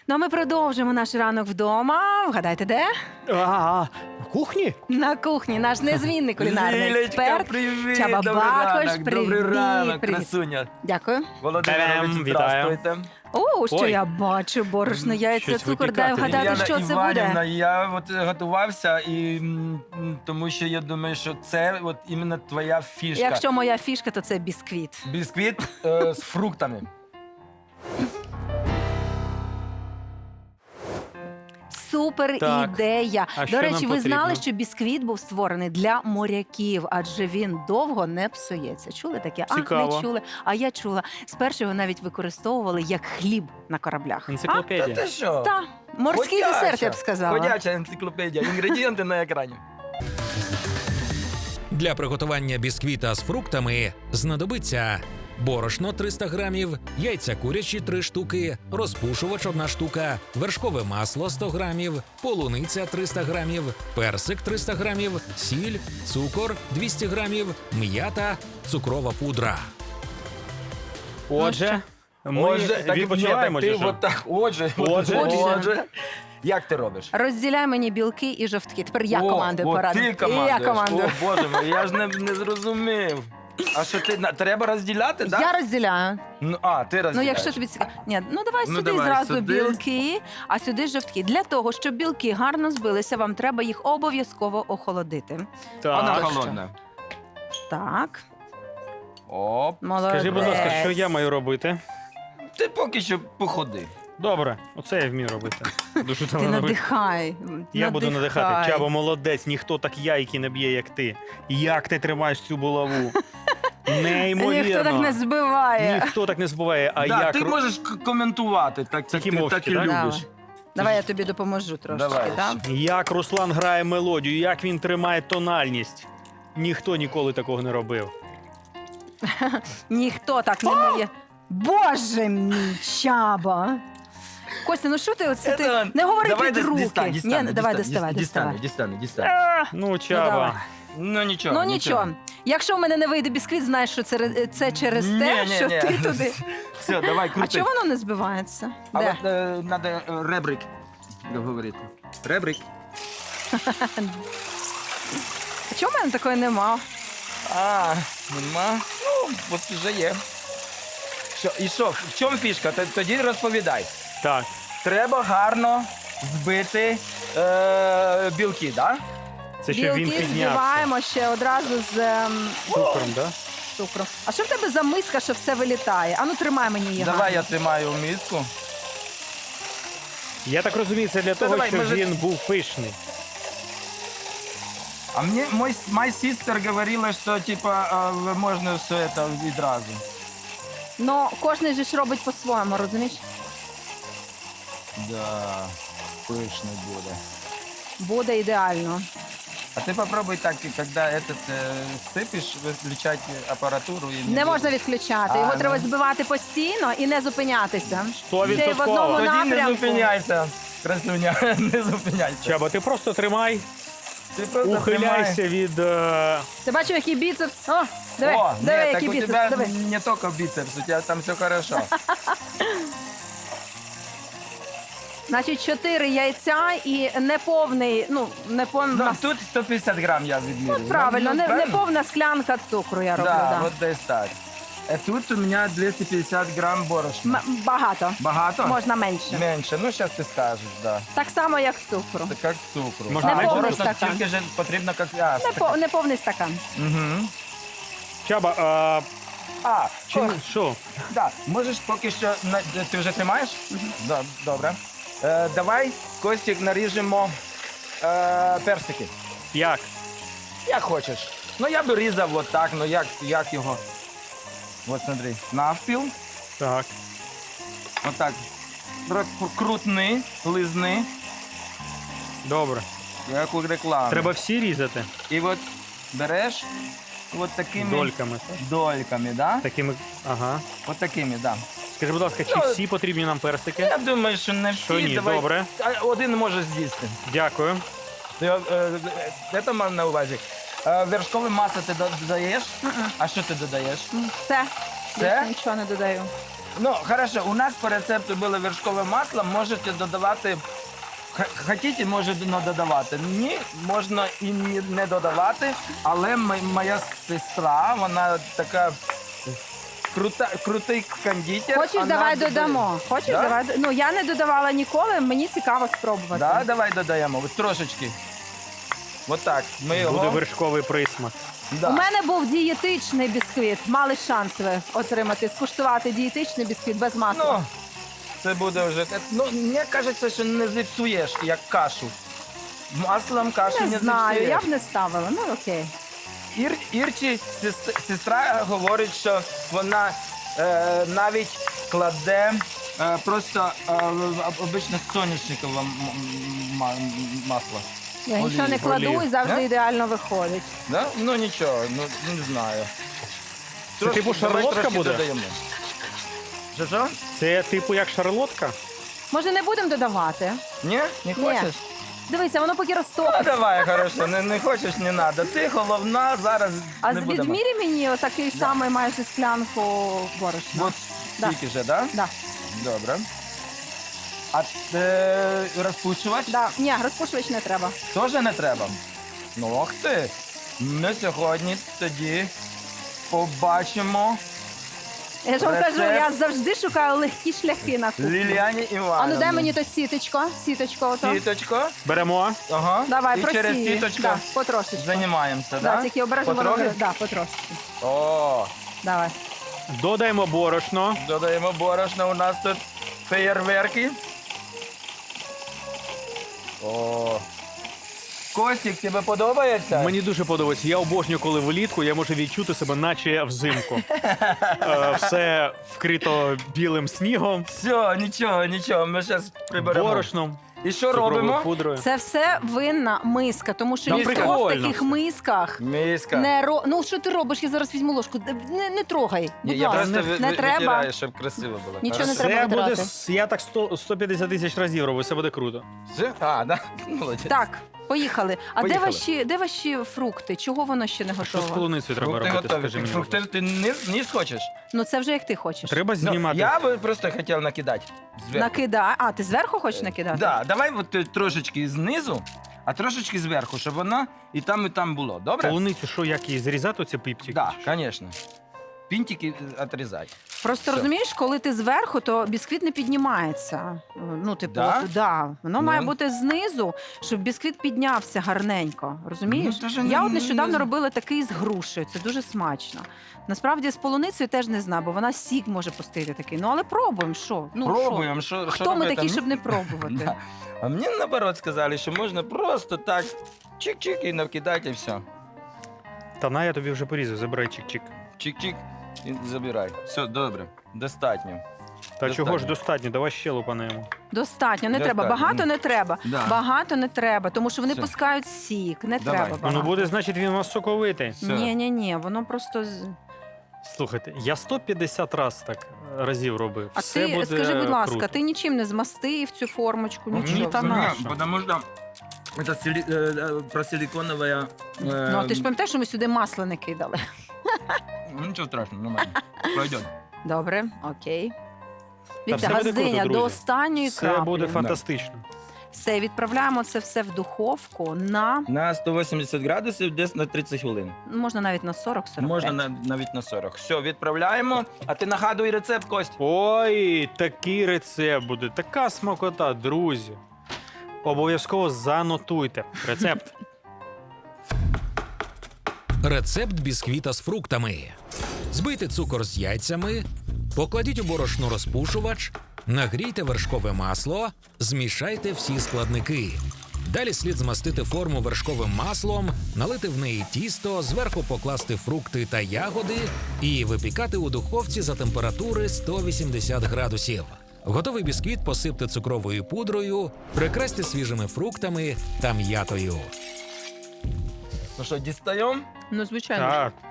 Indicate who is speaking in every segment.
Speaker 1: Ну, а ми продовжимо наш ранок вдома. Вгадайте, де?
Speaker 2: На кухні?
Speaker 1: На кухні. Наш незмінний кулінарний
Speaker 3: Лілечка,
Speaker 1: експерт.
Speaker 3: привіт!
Speaker 1: Чаба
Speaker 3: Добрий
Speaker 1: Бакош,
Speaker 3: ранок,
Speaker 1: привіт,
Speaker 3: добрий ранок,
Speaker 1: привіт.
Speaker 3: красуня.
Speaker 1: Дякую.
Speaker 3: Володимирович,
Speaker 2: Вітаю.
Speaker 3: здравствуйте.
Speaker 1: О, що
Speaker 2: Ой.
Speaker 1: я бачу? Борошно, яйця,
Speaker 2: Щось
Speaker 1: цукор. Дай
Speaker 2: випікати.
Speaker 1: вгадати,
Speaker 3: Яна
Speaker 1: що це
Speaker 3: Іванівна,
Speaker 1: буде.
Speaker 3: я от готувався, і тому що я думаю, що це от іменно твоя фішка.
Speaker 1: Якщо моя фішка, то це бісквіт.
Speaker 3: Бісквіт з фруктами.
Speaker 1: Супер
Speaker 2: Так.
Speaker 1: ідея.
Speaker 2: А
Speaker 1: До
Speaker 2: що
Speaker 1: речі,
Speaker 2: нам
Speaker 1: ви знали,
Speaker 2: потрібно?
Speaker 1: що бісквіт був створений для моряків, адже він довго не псується. Чули таке? А,
Speaker 2: Цікаво.
Speaker 1: не чули. А я чула. Спершу його навіть використовували як хліб на кораблях.
Speaker 3: Та
Speaker 2: Енциклопедія.
Speaker 3: ти що?
Speaker 1: Та, морський
Speaker 3: Ходяча.
Speaker 1: десерт, я б сказала.
Speaker 3: Ходяча енциклопедія. Інгредієнти на екрані.
Speaker 4: Для приготування бісквіта з фруктами знадобиться борошно 300 грамів, яйця курячі 3 штуки, розпушувач 1 штука, вершкове масло 100 грамів, полуниця 300 грамів, персик 300 грамів, сіль, цукор 200 грамів, м'ята, цукрова пудра.
Speaker 2: Отже, ми
Speaker 3: так,
Speaker 2: відпочиваємо.
Speaker 3: ні, так
Speaker 2: чи
Speaker 3: ти
Speaker 2: що?
Speaker 3: от так, отже.
Speaker 1: Отже.
Speaker 3: Як ти робиш?
Speaker 1: Розділяй мені білки і жовтки. Тепер я
Speaker 3: О,
Speaker 1: командую
Speaker 3: от
Speaker 1: порадом.
Speaker 3: ти
Speaker 1: І
Speaker 3: командуєш.
Speaker 1: я командую.
Speaker 3: О, Боже мій, я ж не зрозумів. А що ти, треба розділяти, так?
Speaker 1: Я розділяю.
Speaker 3: Ну, ти
Speaker 1: Ну,
Speaker 3: розділяєш.
Speaker 1: якщо тобі цікаво. Ні, ну давай
Speaker 3: Ну,
Speaker 1: сюди
Speaker 3: давай
Speaker 1: зразу
Speaker 3: сюди.
Speaker 1: білки, а сюди жовтки. Для того, щоб білки гарно збилися, вам треба їх обов'язково охолодити.
Speaker 3: Вона
Speaker 2: Так.
Speaker 3: холодна.
Speaker 1: Так,
Speaker 3: Оп.
Speaker 1: молодець.
Speaker 2: Скажи, будь ласка, що я маю робити?
Speaker 3: Ти поки що походи.
Speaker 2: Добре, оце я вмію робити. Дуже
Speaker 1: Ти
Speaker 2: давно робити.
Speaker 1: надихай.
Speaker 2: Я буду надихати. Чабо, молодець, ніхто так яйки не б'є, як ти. Як ти тримаєш цю булаву? Неймовірно.
Speaker 1: Ніхто так не збиває.
Speaker 2: Ніхто так не збиває, а
Speaker 3: Да,
Speaker 2: як...
Speaker 3: ти можеш коментувати, так
Speaker 2: Тільки
Speaker 3: ти
Speaker 2: мовчки,
Speaker 3: так і
Speaker 2: так?
Speaker 3: любиш.
Speaker 1: Давай я тобі допоможу трошки.
Speaker 3: Давай.
Speaker 1: Так?
Speaker 2: Як Руслан грає мелодію, як він тримає тональність. Ніхто ніколи такого не робив.
Speaker 1: Ніхто так не вміє. Боже мій, Чаба. Костя, ну що ти оце ти?
Speaker 3: Это-
Speaker 1: Не говори
Speaker 3: Давай
Speaker 1: під руки.
Speaker 3: дістану,
Speaker 1: Ні, давай доставай.
Speaker 3: дістану.
Speaker 2: Ну, Чаба.
Speaker 1: давай.
Speaker 3: Ну нічого.
Speaker 1: Ну нічого. Якщо в мене не вийде бісквіт, знаєш, що це через те, що ти туди.
Speaker 3: Все, давай,
Speaker 1: А
Speaker 3: крути.
Speaker 1: чого воно не збивається?
Speaker 3: А
Speaker 1: Де?
Speaker 3: от треба ребрик говорити. Ребрик.
Speaker 1: А чого в мене такої нема?
Speaker 3: Нема. Ну, от вже є. Що, в чому фішка? Тоді розповідай.
Speaker 2: Так.
Speaker 3: Треба гарно збити білки, так?
Speaker 2: Це щоб він
Speaker 1: Білки
Speaker 2: піднявся.
Speaker 1: збиваємо ще одразу з
Speaker 2: Цукром, так?
Speaker 1: цукром. А що в тебе за миска, що все вилітає? Ану, тримай мені її.
Speaker 3: Давай
Speaker 1: гарно.
Speaker 3: я тримаю миску.
Speaker 2: Я так розумію, це для того,
Speaker 3: давай,
Speaker 2: щоб
Speaker 3: може-
Speaker 2: він був пишний.
Speaker 3: А мне мой сестер говорила, что типа можно все это відразу.
Speaker 1: Ну, кожен же ж робить по-своєму, розумієш?
Speaker 3: Да, пышно буде.
Speaker 1: Буде ідеально.
Speaker 3: А ты попробуй так, и когда этот сыпешь, выключать аппаратуру. И
Speaker 1: Не можна відключати. Його
Speaker 3: А,
Speaker 1: треба
Speaker 3: ну.
Speaker 1: збивати постійно і не зупинятися.
Speaker 2: 100%.
Speaker 1: Ще й в одному
Speaker 3: Тоді не
Speaker 1: напрямку.
Speaker 3: зупиняйся, красуня, не зупиняйся.
Speaker 2: Чаба, ти просто тримай,
Speaker 3: Ти просто
Speaker 2: ухиляйся від...
Speaker 1: Ти бачив, який біцепс? О, диви,
Speaker 3: О,
Speaker 1: диви,
Speaker 3: нет, так
Speaker 1: який
Speaker 3: у
Speaker 1: біцепс.
Speaker 3: тебя
Speaker 1: Диви.
Speaker 3: не только бицепс, у тебя там все хорошо.
Speaker 1: Значить, 4 яйця і неповний, неповна,
Speaker 3: Ну, тут 150 грамм я відміряю.
Speaker 1: правильно,
Speaker 3: Ну,
Speaker 1: неповна склянка цукру я роблю.
Speaker 3: Да,
Speaker 1: Да.
Speaker 3: вот десь так. Тут у меня 250 грамм борошна.
Speaker 1: Багато.
Speaker 3: Багато?
Speaker 1: Можна менше.
Speaker 3: Менше, ну зараз ти скажеш, да.
Speaker 1: Так само, як цукру.
Speaker 3: Це як цукру.
Speaker 2: Можна
Speaker 1: менше?
Speaker 3: борошно
Speaker 1: Стакан.
Speaker 3: тільки ж потрібно як...
Speaker 1: Неповний стакан.
Speaker 3: Угу.
Speaker 2: Чаба, що?
Speaker 3: Да, можеш поки що... Ти вже тримаєш? Да, добре. Давай, Костік, наріжемо персики.
Speaker 2: Як?
Speaker 3: Як хочеш. Ну, я би різав от так, ну як його? От, смотри, навпіл.
Speaker 2: Так.
Speaker 3: Отак. Крутни, лизни,
Speaker 2: Добре.
Speaker 3: як у рекламі.
Speaker 2: Треба всі різати
Speaker 3: І от береш от такими
Speaker 2: дольками.
Speaker 3: дольками, да?
Speaker 2: Такими. Ага.
Speaker 3: От такими, да.
Speaker 2: Скажи, будь ласка, чи
Speaker 3: Ну,
Speaker 2: всі потрібні нам персики?
Speaker 3: Я думаю, що не всі.
Speaker 2: Що ні,
Speaker 3: Давай.
Speaker 2: добре.
Speaker 3: Один може з'їсти.
Speaker 2: Дякую.
Speaker 3: Це мав на увазі. Вершкове масло ти додаєш? А що ти додаєш?
Speaker 1: Все.
Speaker 3: Все?
Speaker 1: Більше нічого не додаю.
Speaker 3: Ну, хорошо, у нас по рецепту було вершкове масло, можете додавати, хотіте, можете не додавати. Ні, можна і не додавати, але моя сестра, вона така крутий кондитер.
Speaker 1: Хочеш,
Speaker 3: вона
Speaker 1: давай
Speaker 3: додає.
Speaker 1: додамо. Хочеш,
Speaker 3: Да?
Speaker 1: давай. Ну, я не додавала ніколи, мені цікаво спробувати.
Speaker 3: Да, давай додаємо, от трошечки. От так, ми його...
Speaker 2: Буде вершковий присмак.
Speaker 3: Да.
Speaker 1: У мене був дієтичний бісквіт. Мали шанс ви отримати, скуштувати дієтичний бісквіт без масла.
Speaker 3: Ну, це буде вже... Ну, мені кажеться, що не зіпсуєш, як кашу. Маслом кашу не
Speaker 1: не знаю,
Speaker 3: зіпсуєш.
Speaker 1: я б не ставила. Ну окей.
Speaker 3: Ірчі сестра говорить, що вона навіть кладе просто обичне соняшникове масло.
Speaker 1: Я нічого не кладу
Speaker 2: олію.
Speaker 1: і завжди
Speaker 3: Да?
Speaker 1: ідеально виходить.
Speaker 3: Да? Ну нічого, ну не знаю.
Speaker 2: Це типу
Speaker 3: давай
Speaker 2: шарлотка
Speaker 3: трошки
Speaker 2: буде?
Speaker 3: додаємо. Що?
Speaker 2: Це типу як шарлотка?
Speaker 1: Може, не будемо додавати?
Speaker 3: Ні? Не хочеш?
Speaker 1: Дивися, воно поки
Speaker 3: Ну,
Speaker 1: розтопиться.
Speaker 3: давай, хорошо, не хочеш, не треба. Ти головна, зараз
Speaker 1: А
Speaker 3: не будемо.
Speaker 1: відмірі мені отакий самий майже склянку борошна.
Speaker 3: От
Speaker 1: Да.
Speaker 3: стільки вже, так?
Speaker 1: Да.
Speaker 3: Добре. А розпушувач?
Speaker 1: Да. Ні, розпушувач не треба.
Speaker 3: Теж не треба. Ну, ох ти. Ми сьогодні тоді побачимо
Speaker 1: Я ж вам
Speaker 3: Рецепт.
Speaker 1: кажу, я завжди шукаю легкі шляхи на кухні.
Speaker 3: Ліліані
Speaker 1: А
Speaker 3: Івановні.
Speaker 1: ну дай мені то сіточко. Сіточко ото.
Speaker 3: Сіточко.
Speaker 2: Беремо.
Speaker 3: Ага.
Speaker 1: Давай,
Speaker 3: І через
Speaker 1: просій.
Speaker 3: сіточко
Speaker 1: Да, потрошечку.
Speaker 3: займаємося,
Speaker 1: Да,
Speaker 3: так?
Speaker 1: тільки обережно
Speaker 3: Потрохи?
Speaker 1: воно. Да, потрошечку.
Speaker 3: О,
Speaker 1: Давай.
Speaker 2: Додаємо борошно.
Speaker 3: додаємо борошно, у нас тут феєрверки. О. Костік, тебе подобається?
Speaker 2: Мені дуже подобається. Я обожнюю, коли влітку я можу відчути себе, наче взимку. Все вкрито білим снігом,
Speaker 3: Все, нічого, ми зараз приберемо.
Speaker 2: борошном,
Speaker 3: І що
Speaker 2: цукровою
Speaker 3: робимо?
Speaker 2: пудрою.
Speaker 1: Це все винна миска, тому що
Speaker 2: Та
Speaker 1: ніхто в
Speaker 2: прикольно
Speaker 1: таких
Speaker 2: все.
Speaker 1: мисках
Speaker 3: Миска.
Speaker 1: не Ну що ти робиш? Я зараз візьму ложку. Не трогай. Будь
Speaker 3: Я
Speaker 1: ласка.
Speaker 3: просто
Speaker 1: не треба.
Speaker 3: витираю, щоб красиво було.
Speaker 1: Нічого не
Speaker 3: Хорошо.
Speaker 1: треба
Speaker 2: Це буде,
Speaker 1: витирати.
Speaker 2: я так 150 тисяч разів роблю, це буде круто.
Speaker 3: Все? А, да? Молодець.
Speaker 1: Так, поїхали. А
Speaker 3: Поїхали.
Speaker 1: де ваші фрукти? Чого воно ще не
Speaker 2: Що з
Speaker 1: готово?
Speaker 2: полуницею треба
Speaker 3: Фрукти
Speaker 2: робити,
Speaker 3: готові.
Speaker 2: скажи мені.
Speaker 3: Фрукти ти низ хочеш?
Speaker 1: Ну це вже як ти хочеш.
Speaker 2: Треба
Speaker 3: Ну,
Speaker 2: знімати.
Speaker 3: я би просто хотів накидати. Зверху.
Speaker 1: Накидай. А, ти зверху хочеш накидати?
Speaker 3: Да, давай от трошечки знизу, а трошечки зверху, щоб вона і там було. Добре?
Speaker 2: Полуницю, що, як її зрізати, оці піптики?
Speaker 3: Так, звісно. Пінтики відрізати.
Speaker 1: Просто
Speaker 3: Все.
Speaker 1: розумієш, коли ти зверху, то бісквіт не піднімається. Ну, типу,
Speaker 3: Да?
Speaker 1: да. Воно
Speaker 3: Ну.
Speaker 1: має бути знизу, щоб бісквіт піднявся гарненько. Розумієш?
Speaker 3: Ну, даже
Speaker 1: Я
Speaker 3: не-
Speaker 1: от нещодавно
Speaker 3: не-
Speaker 1: робила такий з грушею. Це дуже смачно. Насправді з полуницею теж не знаю, бо вона сік може пустити такий. Ну але пробуємо, що? Ну,
Speaker 3: Пробуємо,
Speaker 1: що?
Speaker 3: що
Speaker 1: Хто ми
Speaker 3: робити?
Speaker 1: такі, щоб не пробувати?
Speaker 3: Да. А мені наоборот сказали, що можна просто так чик-чик і накидати і все.
Speaker 2: Та на, я тобі вже порізав, забирай чик-чик.
Speaker 3: Чик-чик і забирай. Все, добре, достатньо.
Speaker 2: Та чого ж
Speaker 3: Достатньо.
Speaker 2: достатньо, давай ще лупанемо.
Speaker 1: Достатньо, не
Speaker 3: Достатньо.
Speaker 1: треба. Багато не треба.
Speaker 3: Да.
Speaker 1: Багато не треба, тому що вони
Speaker 3: Все.
Speaker 1: пускають сік. Не
Speaker 3: Давай.
Speaker 1: треба багато.
Speaker 2: Ну буде, значить, він у нас соковитий.
Speaker 3: Все.
Speaker 1: Ні, воно просто
Speaker 2: Слухайте, я 150 разів робив.
Speaker 1: А
Speaker 2: Все
Speaker 1: ти
Speaker 2: буде
Speaker 1: скажи, будь ласка,
Speaker 2: круто.
Speaker 1: ти нічим не змастив цю формочку,
Speaker 2: Ну,
Speaker 1: нічого.
Speaker 2: ні, та на що?
Speaker 3: Потому что это просиликоновая...
Speaker 1: Ну, а ти ж пам'ятаєш, що ми сюди масло не кидали.
Speaker 3: Ну, ничего страшного, нормально. Пойдет.
Speaker 1: Добре, окей. Дивіться,
Speaker 2: все буде
Speaker 1: газдиня
Speaker 2: круто,
Speaker 1: до
Speaker 2: друзі.
Speaker 1: останньої
Speaker 2: Все
Speaker 1: краплі.
Speaker 2: буде фантастично.
Speaker 1: Все, відправляємо це все в духовку на,
Speaker 3: На 180 градусів, десь на 30 хвилин.
Speaker 1: можна навіть на 40-45.
Speaker 3: Можна навіть на 40. Все, відправляємо. А ти нагадуй рецепт, Кость.
Speaker 2: Ой, такий рецепт буде, така смакота, друзі. Обов'язково занотуйте рецепт.
Speaker 4: Рецепт бісквіта з фруктами. Збийте цукор з яйцями, покладіть у борошно розпушувач, нагрійте вершкове масло, змішайте всі складники. Далі слід змастити форму вершковим маслом, налити в неї тісто, зверху покласти фрукти та ягоди і випікати у духовці за температури 180 градусів. Готовий бісквіт посипте цукровою пудрою, прикрасьте свіжими фруктами та м'ятою.
Speaker 3: Ну що, дістаємо?
Speaker 1: Ну, звичайно. ж.
Speaker 2: Так,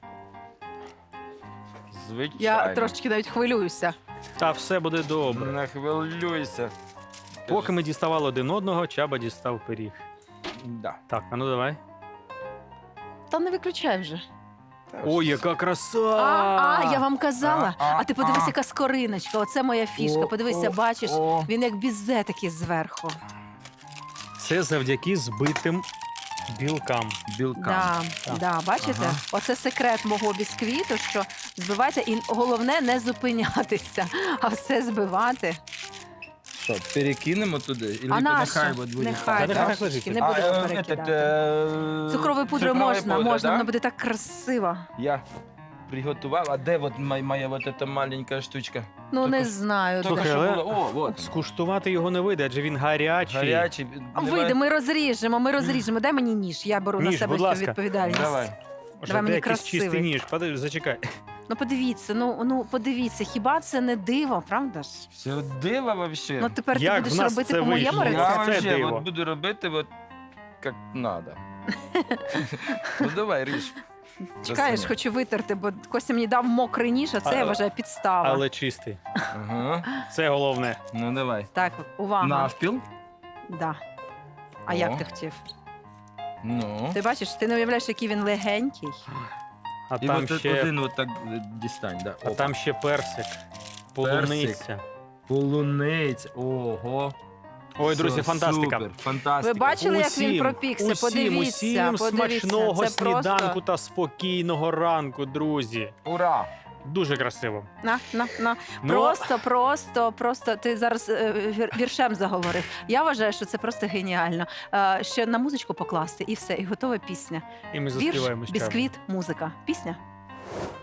Speaker 3: Звичайно.
Speaker 1: Я трошечки навіть хвилююся.
Speaker 2: та все буде добре.
Speaker 3: Не хвилюйся.
Speaker 2: Поки ми діставали один одного, Чаба дістав пиріг.
Speaker 3: Да.
Speaker 2: Так, а ну давай.
Speaker 1: Та не виключай вже.
Speaker 2: Ой, яка краса!
Speaker 1: Я вам казала. А ти подивись,
Speaker 3: а.
Speaker 1: яка скориночка. Оце моя фішка. Подивися, бачиш,
Speaker 3: О.
Speaker 1: він як бізе такий зверху.
Speaker 2: Це завдяки збитим білкам.
Speaker 3: Білка.
Speaker 1: Да, бачите?
Speaker 3: Ага.
Speaker 1: Оце секрет мого бісквіту, що збивайте, і головне не зупинятися, а все збивати.
Speaker 3: Що, перекинемо туди? Ілі
Speaker 1: А нащо?
Speaker 3: нехай от буде
Speaker 1: Нехай,
Speaker 2: Та нехай
Speaker 1: трошечки,
Speaker 2: лежить.
Speaker 1: не будемо перекидати. Цукровою пудрою можна,
Speaker 3: да?
Speaker 1: воно буде так красиво.
Speaker 3: Я приготував, а де от моя вот эта маленька штучка?
Speaker 1: Ну, не
Speaker 3: Тільки-
Speaker 1: знаю.
Speaker 3: Тільки
Speaker 2: Слухай,
Speaker 3: що
Speaker 2: але-
Speaker 3: було. О, вот.
Speaker 2: Скуштувати його не вийде, адже він гарячий.
Speaker 3: Гарячий.
Speaker 1: Вийде, ми розріжемо. Дай мені ніж, я беру на
Speaker 2: Ніж,
Speaker 1: себе
Speaker 2: будь
Speaker 1: цю
Speaker 2: ласка.
Speaker 1: відповідальність.
Speaker 3: Давай.
Speaker 2: Може,
Speaker 1: Давай мені
Speaker 2: якийсь
Speaker 1: красивий.
Speaker 2: чистий ніж. Зачекай.
Speaker 1: Ну подивіться, ну подивіться, хіба це не диво, правда ж?
Speaker 3: Все диво вообще.
Speaker 1: Ну тепер ти
Speaker 2: Як в
Speaker 1: будеш
Speaker 2: нас
Speaker 1: робити
Speaker 2: це
Speaker 1: по моєму
Speaker 2: вийшло?
Speaker 3: Я
Speaker 2: Це
Speaker 1: рецепту.
Speaker 3: вообще
Speaker 2: диво.
Speaker 3: вот буду робити вот как надо. Ну давай, ріж.
Speaker 1: Чекаєш,
Speaker 3: Красиво.
Speaker 1: хочу витерти, бо Костя мені дав мокрий ніж, а це я вважаю підстава.
Speaker 2: Але чистий.
Speaker 3: Ага.
Speaker 2: Це головне.
Speaker 3: Ну давай.
Speaker 1: Так, увага.
Speaker 3: Навпіл.
Speaker 1: Да. А
Speaker 3: О.
Speaker 1: як ти хотів?
Speaker 3: Ну.
Speaker 1: Ти бачиш, ти не уявляєш, який він легенький.
Speaker 2: А
Speaker 3: І
Speaker 2: там
Speaker 3: от
Speaker 2: ще,
Speaker 3: один от так дістань. Да.
Speaker 2: а там ще персик. Полуниця.
Speaker 3: Полуниця. Ого.
Speaker 2: Ой, друзі,
Speaker 3: Все,
Speaker 2: фантастика.
Speaker 3: Супер, фантастика.
Speaker 1: Ви бачили, як він
Speaker 2: Усім,
Speaker 1: пропікся?
Speaker 2: усім
Speaker 1: Подивіться.
Speaker 2: смачного
Speaker 1: Це
Speaker 2: сніданку
Speaker 1: просто...
Speaker 2: та спокійного ранку, друзі.
Speaker 3: Ура!
Speaker 2: Дуже красиво.
Speaker 1: На.
Speaker 2: Ну,
Speaker 1: Просто ти зараз віршем заговорив. Я вважаю, що це просто геніально. Ще на музичку покласти і все, і готова пісня.
Speaker 2: і ми
Speaker 1: Вірш,
Speaker 2: заспіваємо ще.
Speaker 1: бісквіт, музика. Пісня.